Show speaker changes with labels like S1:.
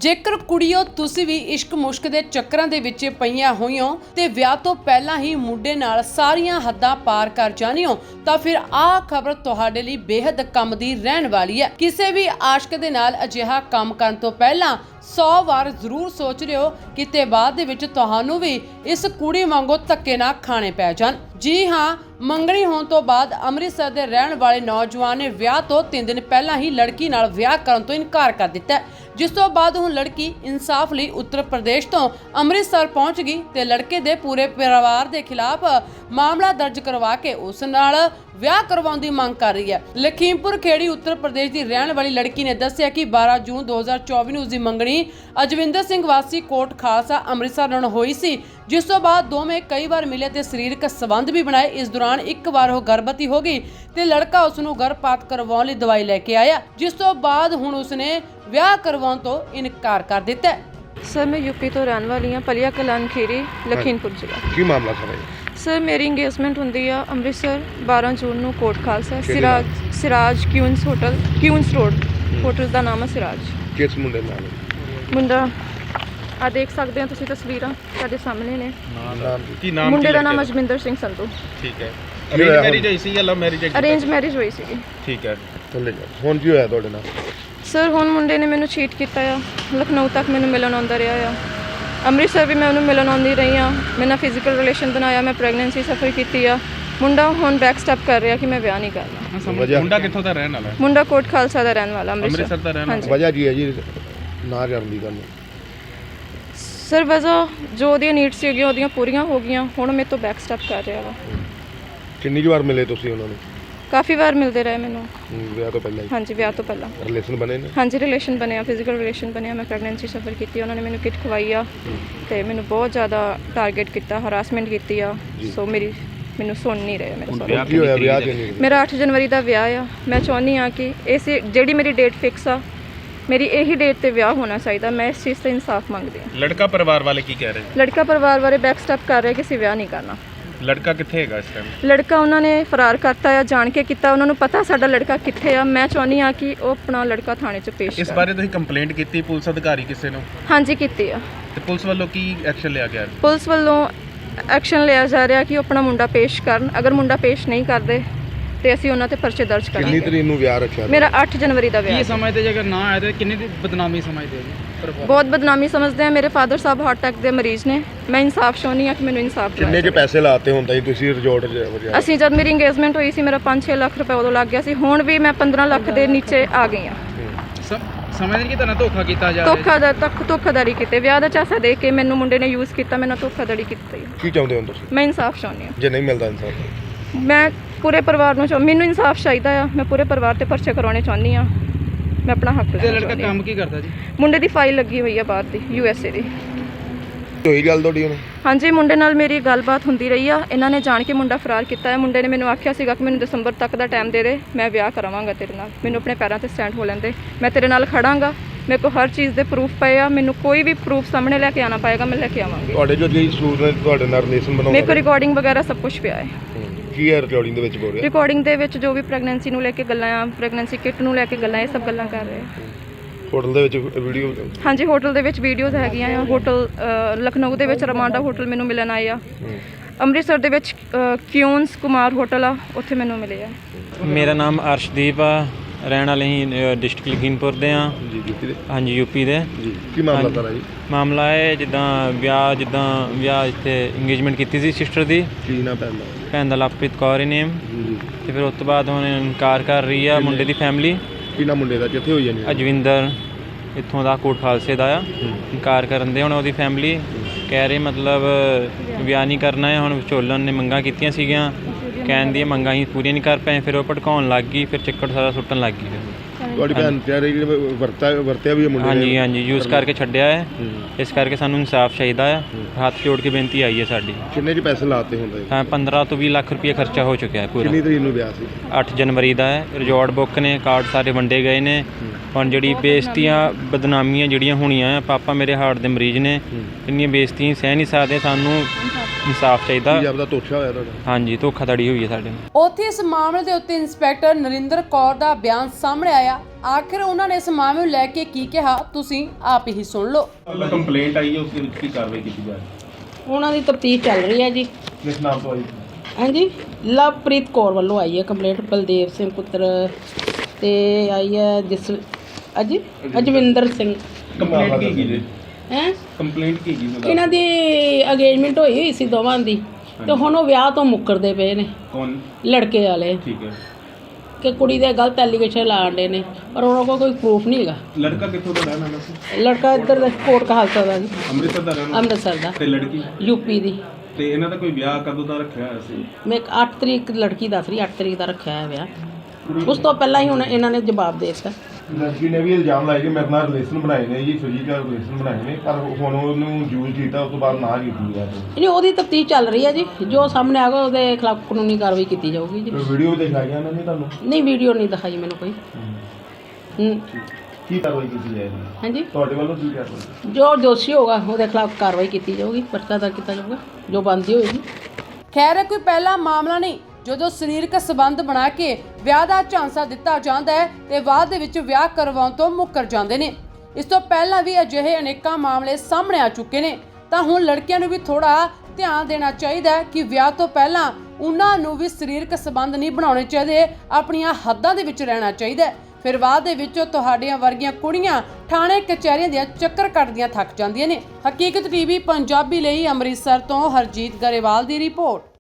S1: ਜੇਕਰ ਕੁੜੀਓ ਤੁਸੀਂ ਵੀ ਇਸ਼ਕ ਮੁਸ਼ਕ ਦੇ ਚੱਕਰਾਂ ਦੇ ਵਿੱਚ ਪਈਆਂ ਹੋਈਓ ਤੇ ਵਿਆਹ ਤੋਂ ਪਹਿਲਾਂ ਹੀ ਮੁੰਡੇ ਨਾਲ ਸਾਰੀਆਂ ਹੱਦਾਂ ਪਾਰ ਕਰ ਜਾਣੀਓ ਤਾਂ ਫਿਰ ਆਹ ਖਬਰ ਤੁਹਾਡੇ ਲਈ ਬੇहद ਕੰਮ ਦੀ ਰਹਿਣ ਵਾਲੀ ਹੈ। ਕਿਸੇ ਵੀ ਆਸ਼ਕ ਦੇ ਨਾਲ ਅਜਿਹਾ ਕੰਮ ਕਰਨ ਤੋਂ ਪਹਿਲਾਂ 100 ਵਾਰ ਜ਼ਰੂਰ ਸੋਚ ਲਿਓ ਕਿਤੇ ਬਾਅਦ ਦੇ ਵਿੱਚ ਤੁਹਾਨੂੰ ਵੀ ਇਸ ਕੁੜੀ ਵਾਂਗੂ ਧੱਕੇ ਨਾ ਖਾਣੇ ਪੈ ਜਾਣ। ਜੀ ਹਾਂ, ਮੰਗਣੀ ਹੋਣ ਤੋਂ ਬਾਅਦ ਅੰਮ੍ਰਿਤਸਰ ਦੇ ਰਹਿਣ ਵਾਲੇ ਨੌਜਵਾਨ ਨੇ ਵਿਆਹ ਤੋਂ 3 ਦਿਨ ਪਹਿਲਾਂ ਹੀ ਲੜਕੀ ਨਾਲ ਵਿਆਹ ਕਰਨ ਤੋਂ ਇਨਕਾਰ ਕਰ ਦਿੱਤਾ, ਜਿਸ ਤੋਂ ਬਾਅਦ ਹੁਣ ਲੜਕੀ ਇਨਸਾਫ ਲਈ ਉੱਤਰ ਪ੍ਰਦੇਸ਼ ਤੋਂ ਅੰਮ੍ਰਿਤਸਰ ਪਹੁੰਚ ਗਈ ਤੇ ਲੜਕੇ ਦੇ ਪੂਰੇ ਪਰਿਵਾਰ ਦੇ ਖਿਲਾਫ ਮਾਮਲਾ ਦਰਜ ਕਰਵਾ ਕੇ ਉਸ ਨਾਲ ਵਿਆਹ ਕਰਵਾਉਣ ਦੀ ਮੰਗ ਕਰ ਰਹੀ ਹੈ। ਲਖੀਮਪੁਰ ਖੇੜੀ ਉੱਤਰ ਪ੍ਰਦੇਸ਼ ਦੀ ਰਹਿਣ ਵਾਲੀ ਲੜਕੀ ਨੇ ਦੱਸਿਆ ਕਿ 12 ਜੂਨ 2024 ਨੂੰ ਉਸ ਦੀ ਮੰਗਣੀ ਅਜਵਿੰਦਰ ਸਿੰਘ ਵਾਸੀ ਕੋਟ ਖਾਲਸਾ ਅੰਮ੍ਰਿਤਸਰ ਨਾਲ ਹੋਈ ਸੀ, ਜਿਸ ਤੋਂ ਬਾਅਦ ਦੋਵੇਂ ਕਈ ਵਾਰ ਮਿਲੇ ਤੇ ਸਰੀਰਕ ਸੰਬੰਧ ਵੀ ਬਣਾਏ। ਇਸ ਦੌਰਾਨ ਇੱਕ ਵਾਰ ਉਹ ਗਰਭਵਤੀ ਹੋ ਗਈ ਤੇ ਲੜਕਾ ਉਸ ਨੂੰ ਗਰਭਪਾਤ ਕਰਵਾਉਣ ਲਈ ਦਵਾਈ ਲੈ ਕੇ ਆਇਆ, ਜਿਸ ਤੋਂ ਬਾਅਦ ਹੁਣ ਉਸਨੇ ਵਿਆਹ ਕਰਵਾਉਣ ਤੋਂ ਇਨਕਾਰ ਕਰ ਦਿੱਤਾ।
S2: सर मैं यूपी तो रहने वाली हाँ, पलिया कलान खीरी लखीमपुर जिला।
S3: ਕੀ ਮਾਮਲਾ ਸਰ
S2: सर मेरी इंगेजमेंट होंगी आ अमृतसर 12 जून ਨੂੰ Kot Khalsa Siraj Queens hotel Queens road hotel ਦਾ ਨਾਮ ਹੈ ਸਿਰਾਜ।
S3: ਕਿਸ ਮੁੰਡੇ ਨਾਲ
S2: ਮੁੰਡਾ ਆ ਦੇਖ ਸਕਦੇ ਹੋ ਤੁਸੀਂ ਤਸਵੀਰਾਂ ਸਾਡੇ ਸਾਹਮਣੇ ਨੇ।
S3: ਕੀ
S2: ਮੁੰਡੇ ਦਾ ਨਾਮ ਅਜਵਿੰਦਰ ਸਿੰਘ ਸੰਧੂ।
S4: ਠੀਕ ਹੈ। ਅਰੇਂਜ ਮੈਰਿਜ ਹੋਈ ਸੀ ਜਾਂ ਲਵ ਮੈਰਿਜ?
S2: ਅਰੇਂਜ ਮੈਰਿਜ ਹੋਈ ਸੀਗੀ।
S4: ਠੀਕ ਹੈ।
S3: ਥੱਲੇ ਜਾ। ਹੁਣ ਕੀ ਹੋਇਆ ਤੁਹਾਡੇ ਨਾਲ?
S2: ਸਰ ਹੁਣ ਮੁੰਡੇ ਨੇ ਮੈਨੂੰ ਚੀਟ ਕੀਤਾ ਆ, ਲਖਨਊ ਤੱਕ ਮੈਨੂੰ ਮਿਲਣ ਆਉਂਦਾ ਰਿਹਾ ਆ, ਅੰਮ੍ਰਿਤਸਰ ਵੀ ਮੈਂ ਉਹਨੂੰ ਮਿਲਣ ਆਉਂਦੀ ਰਹੀ ਹਾਂ, ਮੇਰੇ ਨਾਲ ਫਿਜ਼ੀਕਲ ਰਿਲੇਸ਼ਨ ਬਣਾਇਆ, ਮੈਂ ਪ੍ਰੈਗਨੈਂਸੀ ਸਫਰ ਕੀਤੀ ਆ। ਮੁੰਡਾ ਹੁਣ ਬੈਕ ਸਟੈਪ ਕਰ ਰਿਹਾ ਕਿ ਮੈਂ ਵਿਆਹ ਨਹੀਂ ਕਰਨਾ।
S4: ਮੁੰਡਾ ਕਿੱਥੋਂ ਦਾ ਰਹਿਣ ਵਾਲਾ ਹੈ?
S2: ਮੁੰਡਾ ਕੋਟ ਖਾਲਸਾ ਦਾ ਰਹਿਣ ਵਾਲਾ,
S4: ਅੰਮ੍ਰਿਤਸਰ ਦਾ ਰਹਿਣ ਵਾਲਾ।
S3: ਵਜ੍ਹਾ ਕੀ ਹੈ ਜੀ ਨਾ ਕਰਨ ਦੀ ਗੱਲ?
S2: ਸਰ ਵਜ੍ਹਾ ਜੋ ਉਹਦੀਆਂ ਨੀਡਸ ਸੀਗੀਆਂ ਉਹਦੀਆਂ ਪੂਰੀਆਂ ਹੋ ਗਈਆਂ, ਹੁਣ ਮੇਰੇ ਤੋਂ ਬੈਕ ਸਟੈਪ ਕਰ ਰਿਹਾ ਵਾ।
S3: ਕਿੰਨੀ ਵਾਰ ਮਿਲੇ ਤੁਸੀਂ ਉਹਨਾਂ ਨੂੰ?
S2: ਕਾਫੀ ਵਾਰ ਮਿਲਦੇ ਰਹੇ ਮੈਨੂੰ।
S3: ਵਿਆਹ ਤੋਂ ਪਹਿਲਾਂ ਹੀ?
S2: ਹਾਂਜੀ ਵਿਆਹ ਤੋਂ ਪਹਿਲਾਂ
S3: ਰਿਲੇਸ਼ਨ ਬਣੇ ਨੇ? ਹਾਂਜੀ
S2: ਰਿਲੇਸ਼ਨ ਬਣਿਆ, ਫਿਜ਼ੀਕਲ ਰਿਲੇਸ਼ਨ ਬਣਿਆ, ਮੈਂ ਪ੍ਰੈਗਨੈਂਸੀ ਸਫਰ ਕੀਤੀ, ਉਹਨਾਂ ਨੇ ਮੈਨੂੰ ਕਿਟ ਖਵਾਈ ਆ ਤੇ ਮੈਨੂੰ ਬਹੁਤ ਜ਼ਿਆਦਾ ਟਾਰਗੇਟ ਕੀਤਾ, ਹਰਾਸਮੈਂਟ ਕੀਤੀ ਆ। ਸੋ ਮੈਨੂੰ ਸੁਣ ਨਹੀਂ ਰਹੇ ਮੇਰੇ ਸਾਰੇ।
S3: ਕੀ ਹੋਇਆ ਵਿਆਹ ਕਿਉਂ ਨਹੀਂ?
S2: ਮੇਰਾ 8 ਜਨਵਰੀ ਦਾ ਵਿਆਹ ਆ। ਮੈਂ ਚਾਹੁੰਦੀ ਆ ਕਿ ਇਸ ਜਿਹੜੀ ਮੇਰੀ ਡੇਟ ਫਿਕਸ ਆ, ਮੇਰੀ ਇਹੀ ਡੇਟ ਤੇ ਵਿਆਹ ਹੋਣਾ ਚਾਹੀਦਾ। ਮੈਂ ਇਸ ਚੀਜ਼ ਤੇ ਇਨਸਾਫ ਮੰਗਦੀ ਹਾਂ।
S4: ਲੜਕਾ ਪਰਿਵਾਰ ਵਾਲੇ ਕੀ ਕਹਿ ਰਹੇ?
S2: ਲੜਕਾ ਪਰਿਵਾਰ ਵਾਲੇ ਬੈਕ ਸਟੈਪ ਕਰ ਰਹੇ ਕਿ ਅਸੀਂ ਵਿਆਹ ਨਹੀਂ ਕਰਨਾ।
S4: ਲੜਕਾ ਕਿੱਥੇ ਹੈਗਾ ਇਸ ਟਾਈਮ?
S2: ਲੜਕਾ ਉਹਨਾਂ ਨੇ ਫਰਾਰ ਕਰਤਾ ਆ, ਜਾਣ ਕੇ ਕੀਤਾ। ਉਹਨਾਂ ਨੂੰ ਪਤਾ ਸਾਡਾ ਲੜਕਾ ਕਿੱਥੇ ਆ। ਮੈਂ ਚਾਹੁੰਦੀ ਆ ਕਿ ਉਹ ਆਪਣਾ ਲੜਕਾ ਥਾਣੇ 'ਚ ਪੇਸ਼
S4: ਇਸ ਬਾਰੇ ਤੁਸੀਂ ਕੰਪਲੇਂਟ ਕੀਤੀ ਪੁਲਿਸ ਅਧਿਕਾਰੀ ਕਿਸੇ ਨੂੰ?
S2: ਹਾਂਜੀ ਕੀਤੀ ਆ।
S4: ਤੇ ਪੁਲਿਸ ਵੱਲੋਂ ਕੀ ਐਕਸ਼ਨ ਲਿਆ ਗਿਆ?
S2: ਪੁਲਿਸ ਵੱਲੋਂ ਐਕਸ਼ਨ ਲਿਆ ਜਾ ਰਿਹਾ ਕਿ ਉਹ ਆਪਣਾ ਮੁੰਡਾ ਪੇਸ਼ ਕਰਨ। ਅਗਰ ਮੁੰਡਾ ਪੇਸ਼ ਨਹੀਂ ਕਰਦੇ ਤੇ ਅਸੀਂ ਉਹਨਾਂ ਤੇ ਪਰਚੇ ਦਰਜ
S3: ਕਿੰਨੀ
S2: ਕਰਾਂਗੇ।
S3: ਤਰੀਕ ਨੂੰ ਵਿਆਹ ਰੱਖਿਆ?
S2: ਮੇਰਾ 8 ਜਨਵਰੀ ਦਾ ਵਿਆਹ।
S5: ਕੀ ਸਮਝਦੇ ਜੇਕਰ ਨਾ ਆਏ ਤਾਂ ਕਿੰਨੀ ਦੀ ਬਦਨਾਮੀ ਸਮਝਦੇ ਹੋ ਜੀ?
S2: ਬਹੁਤ ਬਦਨਾਮੀ ਸਮਝਦੇ ਆ। ਮੇਰੇ ਫਾਦਰ ਸਾਹਿਬ ਹਾਰਟ ਅਟੈਕ ਦੇ ਮਰੀਜ਼ ਨੇ। ਮੈਂ ਇਨਸਾਫ ਚਾਹੁੰਦੀ ਆ ਕਿ ਮੈਨੂੰ ਇਨਸਾਫ
S3: ਕਿੰਨੇ
S2: ਦਿਵਾਇਆ
S3: ਕੇ ਪੈਸੇ ਲਾਤੇ ਹੁੰਦਾ ਜੀ ਤੁਸੀਂ ਰਿਜ਼ੋਰਟ 'ਚ ਵਜ੍ਹਾ?
S2: ਅਸੀਂ ਜਦ ਮੇਰੀ ਇੰਗੇਜਮੈਂਟ ਹੋਈ ਸੀ ਮੇਰਾ 5-6 ਲੱਖ ਰੁਪਏ ਉਦੋਂ ਲੱਗ ਗਿਆ ਸੀ। ਹੁਣ ਵੀ ਮੈਂ 15 ਲੱਖ ਦੇ ਨੀਚੇ ਆ ਗਈ ਆ।
S5: ਸਮਝਦੇ ਕਿ ਤੁਹਾਨੂੰ ਧੋਖਾ ਕੀਤਾ ਜਾ ਰਿਹਾ?
S2: ਧੋਖਾਧੜੀ ਕੀਤੇ, ਵਿਆਹ ਦਾ ਚਾਸਾ ਦੇ ਕੇ ਮੈਨੂੰ ਮੁੰਡੇ ਨੇ ਯੂਜ਼ ਕੀਤਾ, ਮੈਨੂੰ ਧੋਖਾਧੜੀ ਕੀਤੀ।
S3: ਕੀ ਚਾਹੁੰਦੇ ਹੋ ਤੁਸੀਂ?
S2: ਮੈਂ ਇਨਸਾਫ ਚਾਹੁੰਦੀ ਆ।
S3: ਜੇ ਨਹੀਂ ਮਿਲਦਾ ਇਨਸਾਫ?
S2: ਮੈਂ ਪੂਰੇ ਪਰਿਵਾਰ ਨੂੰ ਮੈਨੂੰ ਇਨਸਾਫ ਚਾਹੀਦਾ ਆ। ਮੈਂ ਪੂਰੇ ਪਰਿਵਾਰ ਤੇ ਪਰਚੇ ਕਰਾਉਣੇ ਚਾਹੁੰਦੀ ਆ। ਮੈਂ ਆਪਣਾ ਹੱਕ
S5: ਤੇ
S2: ਲੈਣਾ
S5: ਲੜਕਾ
S2: ਚਾਹੁੰਦੀ
S5: ਕੰਮ ਕੀ ਕਰਦਾ ਜੀ?
S2: ਮੁੰਡੇ ਦੀ ਫਾਈਲ ਲੱਗੀ ਹੋਈ ਆ ਬਾਹਰ ਦੀ, USA ਦੀ।
S3: ਹੋਈ ਗੱਲ ਤੁਹਾਡੀ ਹੁਣ?
S2: ਹਾਂਜੀ ਮੁੰਡੇ ਨਾਲ ਮੇਰੀ ਗੱਲਬਾਤ ਹੁੰਦੀ ਰਹੀ ਆ। ਇਹਨਾਂ ਨੇ ਜਾਣ ਕੇ ਮੁੰਡਾ ਫਰਾਰ ਕੀਤਾ ਹੈ। ਮੁੰਡੇ ਨੇ ਮੈਨੂੰ ਆਖਿਆ ਸੀਗਾ ਕਿ ਮੈਨੂੰ ਦਸੰਬਰ ਤੱਕ ਦਾ ਟਾਈਮ ਦੇ ਦੇ, ਮੈਂ ਵਿਆਹ ਕਰਾਵਾਂਗਾ ਤੇਰੇ ਨਾਲ, ਮੈਨੂੰ ਆਪਣੇ ਪੈਰਾਂ ਤੇ ਸਟੈਂਡ ਹੋ ਲੈਂਦੇ, ਮੈਂ ਤੇਰੇ ਨਾਲ ਖੜਾਂਗਾ, ਮੇਰੇ ਕੋਲ ਹਰ ਚੀਜ਼ ਦੇ ਪ੍ਰੂਫ ਪਏ ਆ, ਮੈਨੂੰ ਕੋਈ ਵੀ ਪ੍ਰੂਫ ਸਾਹਮਣੇ ਲੈ ਕੇ ਆਉਣਾ ਪਏਗਾ, ਮੈਂ ਲੈ ਕੇ ਆਵਾਂਗੀ।
S3: ਤੁਹਾਡੇ ਜੋ ਜੀ ਸੂਟ ਨੇ ਤੁਹਾਡੇ ਨਾਲ ਰਿਲੇਸ਼ਨ ਬਣਾਉਂਦੇ?
S2: ਮੇਰੇ ਕੋਲ ਰਿਕਾਰਡਿੰਗ ਵਗੈਰਾ ਸਭ ਕੁਝ ਪਿਆ ਹੈ।
S3: ਕੀ ਹੈ ਰਿਕਾਰਡਿੰਗ ਦੇ ਵਿੱਚ ਬੋਲ ਰਿਹਾ?
S2: ਰਿਕਾਰਡਿੰਗ ਦੇ ਵਿੱਚ ਜੋ ਵੀ ਪ੍ਰੈਗਨੈਂਸੀ ਨੂੰ ਲੈ ਕੇ ਗੱਲਾਂ ਆ, ਪ੍ਰੈਗਨੈਂਸੀ ਕਿਟ ਨੂੰ ਲੈ ਕੇ ਗੱਲਾਂ, ਇਹ ਸਭ ਗੱਲਾਂ ਕਰ ਰਹੇ ਆ।
S3: ਹੋਟਲ ਦੇ ਵਿੱਚ ਵੀਡੀਓ?
S2: ਹਾਂਜੀ ਹੋਟਲ ਦੇ ਵਿੱਚ ਵੀਡੀਓਜ਼ ਹੈਗੀਆਂ ਆ। ਹੋਟਲ ਲਖਨਊ ਦੇ ਵਿੱਚ ਰਮਾਂਡਾ ਹੋਟਲ ਮੈਨੂੰ ਮਿਲਣ ਆਏ ਆ। ਅੰਮ੍ਰਿਤਸਰ ਦੇ ਵਿੱਚ ਕਿਊਨਸ ਕੁਮਾਰ ਹੋਟਲ ਆ, ਉੱਥੇ ਮੈਨੂੰ ਮਿਲੇ ਆ।
S6: ਮੇਰਾ ਨਾਮ ਅਰਸ਼ਦੀਪ ਆ, ਰਹਿਣ ਵਾਲੇ ਹੀ ਡਿਸਟ੍ਰਿਕਟ ਲਖੀਮਪੁਰ ਦੇ ਆ
S3: ਜੀ। ਯੂਪੀ ਦੇ?
S6: ਹਾਂਜੀ ਯੂਪੀ ਦੇ
S3: ਜੀ। ਕੀ ਮਾਮਲਾ ਸਾਰਾ ਜੀ?
S6: ਮਾਮਲਾ ਹੈ ਜਿੱਦਾਂ ਵਿਆਹ ਇੱਥੇ ਇੰਗੇਜਮੈਂਟ ਕੀਤੀ ਸੀ ਸਿਸਟਰ ਦੀ।
S3: ਕੀ ਨਾ ਪੈਂਦਾ?
S6: ਭੈਣ ਦਾ ਲਵਪ੍ਰੀਤ ਕੌਰ ਹੀ ਨੇਮ।
S3: ਜੀ।
S6: ਤੇ ਫਿਰ ਉਸ ਤੋਂ ਬਾਅਦ ਹੁਣ ਇਨਕਾਰ ਕਰ ਰਹੀ ਆ ਮੁੰਡੇ ਦੀ ਫੈਮਿਲੀ।
S3: ਕੀ ਨਾ ਮੁੰਡੇ ਦਾ ਕਿੱਥੇ ਹੋਈ ਜਾਨੀ?
S6: ਅਜਵਿੰਦਰ ਇੱਥੋਂ ਦਾ ਕੋਟ ਖਾਲਸੇ ਦਾ ਆ। ਇਨਕਾਰ ਕਰਨ ਦੇ ਹੁਣ ਉਹਦੀ ਫੈਮਿਲੀ ਕਹਿ ਰਹੀ ਮਤਲਬ ਵਿਆਹ ਨਹੀਂ ਕਰਨਾ ਹੈ। ਹੁਣ ਵਿਚੋਲਨ ਨੇ ਮੰਗਾਂ ਕੀਤੀਆਂ ਸੀਗੀਆਂ, ਕਹਿਣ ਦੀਆਂ ਮੰਗਾਂ ਹੀ ਪੂਰੀਆਂ ਨਹੀਂ ਕਰ ਪਏ, ਫਿਰ ਉਹ ਭੜਕਾਉਣ ਲੱਗ ਗਈ, ਫਿਰ ਚੱਕਰ ਸਾਰਾ ਸੁੱਟਣ ਲੱਗ ਗਈ।
S3: ਤੁਹਾਡੀ ਭੈਣ ਕਹਿ ਰਹੀ ਕਿ ਵਰਤਿਆ ਵੀ ਮੁੰਡੇ ਨੇ?
S6: ਹਾਂਜੀ ਯੂਜ਼ ਕਰਕੇ ਛੱਡਿਆ ਹੈ। ਇਸ ਕਰਕੇ ਸਾਨੂੰ ਇਨਸਾਫ ਚਾਹੀਦਾ ਆ। ਹੱਥ ਜੋੜ ਕੇ ਬੇਨਤੀ ਆਈ ਹੈ ਸਾਡੀ।
S3: ਕਿੰਨੇ ਜੀ ਪੈਸੇ ਲਾਤੇ ਹੁੰਦੇ?
S6: ਹਾਂ 15 ਤੋਂ 20 ਲੱਖ ਰੁਪਏ ਖਰਚਾ ਹੋ ਚੁੱਕਿਆ ਹੈ ਪੂਰਾ।
S3: ਕਿੰਨੀ ਤਰੀਕ ਨੂੰ ਵਿਆਹ ਸੀ?
S6: 8 ਜਨਵਰੀ ਦਾ ਹੈ। ਰਿਜ਼ੋਰਟ ਬੁੱਕ ਨੇ, ਕਾਰਡ ਸਾਰੇ ਵੰਡੇ ਗਏ ਨੇ। ਹੁਣ ਜਿਹੜੀ ਬੇਇੱਜ਼ਤੀਆਂ ਬਦਨਾਮੀਆਂ ਜਿਹੜੀਆਂ ਹੋਣੀਆਂ ਆ, ਪਾਪਾ ਮੇਰੇ ਹਾਰਟ ਦੇ ਮਰੀਜ਼ ਨੇ, ਇੰਨੀਆਂ ਬੇਇੱਜ਼ਤੀਆਂ ਸਹਿ ਨਹੀਂ ਸਕਦੇ। ਸਾਨੂੰ ਇਨਸਾਫ ਚਾਹੀਦਾ।
S3: ਕੀ ਆਪਦਾ ਤੋਛਾ ਹੋਇਆ ਤੁਹਾਡਾ?
S6: ਹਾਂਜੀ, ਧੋਖਾਧੜੀ ਹੋਈ ਹੈ ਸਾਡੇ ਨਾਲ।
S1: ਉੱਥੇ ਇਸ ਮਾਮਲੇ ਦੇ ਉੱਤੇ ਇੰਸਪੈਕਟਰ ਨਰਿੰਦਰ ਕੌਰ ਦਾ ਬਿਆਨ ਸਾਹਮਣੇ ਆਇਆ। ਆਖਿਰ ਉਹਨਾਂ ਨੇ ਇਸ ਮਾਮਲੇ ਨੂੰ ਲੈ ਕੇ ਕੀ ਕਿਹਾ, ਤੁਸੀਂ ਆਪ ਹੀ ਸੁਣ ਲਓ।
S4: ਕੰਪਲੇਂਟ ਆਈ ਹੈ, ਉਸ ਦੇ ਵਿੱਚ ਕੀ ਕਾਰਵਾਈ ਕੀਤੀ ਜਾ ਰਹੀ ਹੈ?
S7: ਉਹਨਾਂ ਦੀ ਤਫਤੀਸ਼ ਚੱਲ ਰਹੀ ਹੈ ਜੀ।
S4: ਕਿਸ ਨਾਮ ਤੋਂ ਆਈ?
S7: ਹਾਂਜੀ, ਲਵਪ੍ਰੀਤ ਕੌਰ ਵੱਲੋਂ ਆਈ ਹੈ ਕੰਪਲੇਂਟ। ਬਲਦੇਵ ਸਿੰਘ ਪੁੱਤਰ ਤੇ ਆਈ ਹੈ ਅਜਵਿੰਦਰ ਸਿੰਘ।
S4: ਕੰਪਲੇਂਟ ਕੀ ਕੀ ਜੀ?
S7: ਹੈ
S4: ਕੰਪਲੇਂਟ ਕੀ ਕੀ?
S7: ਇਹਨਾਂ ਦੀ ਅਗੇਜਮੈਂਟ ਹੋਈ ਸੀ ਦੋਵਾਂ ਦੀ, ਤੇ ਹੁਣ ਉਹ ਵਿਆਹ ਤੋਂ ਮੁੱਕਰਦੇ ਪਏ ਨੇ
S4: ਕੌਣ?
S7: ਲੜਕੇ ਵਾਲੇ,
S4: ਠੀਕ ਹੈ।
S7: ਕਿ ਕੁੜੀ ਦੇ ਗਲਤ ਐਲੀਗੇਸ਼ਨ ਲਾਉਂਦੇ ਨੇ, ਪਰ ਉਹਨਾਂ ਕੋਲ ਕੋਈ ਪ੍ਰੂਫ ਨਹੀਂ ਹੈਗਾ।
S4: ਲੜਕਾ ਕਿੱਥੋਂ ਦਾ ਰਹਿਣ ਵਾਲਾ ਸੀ?
S7: ਲੜਕਾ ਇੱਧਰ ਦਾ ਕੋਟ ਕਹਾਲਸਾ ਦਾ ਜੀ,
S4: ਅੰਮ੍ਰਿਤਸਰ ਦਾ ਰਹਿਣ ਵਾਲਾ?
S7: ਅੰਮ੍ਰਿਤਸਰ ਦਾ।
S4: ਤੇ ਲੜਕੀ?
S7: ਯੂਪੀ ਦੀ।
S4: ਤੇ ਇਹਨਾਂ ਦਾ ਕੋਈ ਵਿਆਹ ਕਦੋਂ ਦਾ ਰੱਖਿਆ ਹੋਇਆ ਸੀ?
S7: ਮੈਂ 8 ਤਰੀਕ ਲੜਕੀ ਦੱਸ ਰਹੀ, 8 ਤਰੀਕ ਦਾ ਰੱਖਿਆ ਹੈ ਵਿਆਹ। ਉਸ ਤੋਂ ਪਹਿਲਾਂ ਹੀ ਹੁਣ ਇਹਨਾਂ ਨੇ ਜਵਾਬ ਦੇ ਦਿੱਤਾ।
S3: ਲੜਕੀ ਨੇ ਵੀ ਇਲਜ਼ਾਮ ਲਾਇਆ ਕਿ ਮੇਰੇ ਨਾਲ ਰਿਲੇਸ਼ਨ ਬਣਾਏ ਨੇ ਜੀ, ਫਿਜ਼ੀਕਲ ਰਿਲੇਸ਼ਨ ਬਣਾਏ ਨੇ, ਪਰ ਹੁਣ ਉਹਨੂੰ ਯੂਜ਼ ਕੀਤਾ, ਉਸ ਤੋਂ ਬਾਅਦ ਨਾ ਕੀਤੀ ਗਿਆ।
S7: ਨਹੀਂ, ਉਹਦੀ ਤਫਤੀਸ਼ ਚੱਲ ਰਹੀ ਹੈ ਜੀ। ਜੋ ਸਾਹਮਣੇ ਆਗਾ ਉਹਦੇ ਖਿਲਾਫ ਕਾਨੂੰਨੀ ਕਾਰਵਾਈ ਕੀਤੀ ਜਾਊਗੀ ਜੀ।
S3: ਵੀਡੀਓ ਦਿਖਾਈਆਂ ਉਹਨਾਂ ਨੇ ਤੁਹਾਨੂੰ?
S7: ਨਹੀਂ, ਵੀਡੀਓ ਨਹੀਂ ਦਿਖਾਈ ਮੈਨੂੰ ਕੋਈ।
S3: ਕੀ ਕਾਰਵਾਈ ਕੀਤੀ ਜਾਏਗੀ
S7: ਹਾਂਜੀ,
S3: ਤੁਹਾਡੇ ਵੱਲੋਂ? ਕੀ ਕਾਰਵਾਈ?
S7: ਜੋ ਦੋਸ਼ੀ ਹੋਗਾ ਉਹਦੇ ਖਿਲਾਫ ਕਾਰਵਾਈ ਕੀਤੀ ਜਾਊਗੀ, ਪਰਚਾ ਦਰਜ ਕੀਤਾ ਜਾਊਗਾ ਜੋ ਬਣਦੀ ਹੋਏਗੀ।
S1: ਖੈਰ ਇਹ ਕੋਈ ਪਹਿਲਾ ਮਾਮਲਾ ਨਹੀਂ ਜਦੋਂ ਸਰੀਰਕ ਸੰਬੰਧ ਬਣਾ ਕੇ ਵਿਆਹ ਦਾ ਝਾਂਸਾ ਦਿੱਤਾ ਜਾਂਦਾ ਹੈ ਤੇ ਬਾਅਦ ਦੇ ਵਿੱਚ ਵਿਆਹ ਕਰਵਾਉਣ ਤੋਂ ਮੁੱਕਰ ਜਾਂਦੇ ਨੇ। ਇਸ ਤੋਂ ਪਹਿਲਾਂ ਵੀ ਅਜਿਹੇ ਅਨੇਕਾਂ ਮਾਮਲੇ ਸਾਹਮਣੇ ਆ ਚੁੱਕੇ ਨੇ। ਤਾਂ ਹੁਣ ਲੜਕੀਆਂ ਨੂੰ ਵੀ ਥੋੜਾ ਧਿਆਨ ਦੇਣਾ ਚਾਹੀਦਾ ਹੈ ਕਿ ਵਿਆਹ ਤੋਂ ਪਹਿਲਾਂ ਉਹਨਾਂ ਨੂੰ ਵੀ ਸਰੀਰਕ ਸੰਬੰਧ ਨਹੀਂ ਬਣਾਉਣੇ ਚਾਹੀਦੇ, ਆਪਣੀਆਂ ਹੱਦਾਂ ਦੇ ਵਿੱਚ ਰਹਿਣਾ ਚਾਹੀਦਾ ਹੈ। ਫਿਰ ਬਾਅਦ ਦੇ ਵਿੱਚ ਤੁਹਾਡੀਆਂ ਵਰਗੀਆਂ ਕੁੜੀਆਂ ਥਾਣੇ ਕਚਹਿਰੀਆਂ ਦੀਆਂ ਚੱਕਰ ਕੱਟਦੀਆਂ ਥੱਕ ਜਾਂਦੀਆਂ ਨੇ। ਹਕੀਕਤ ਟੀਵੀ ਪੰਜਾਬੀ ਲਈ ਅੰਮ੍ਰਿਤਸਰ ਤੋਂ ਹਰਜੀਤ ਗਰੇਵਾਲ ਦੀ ਰਿਪੋਰਟ।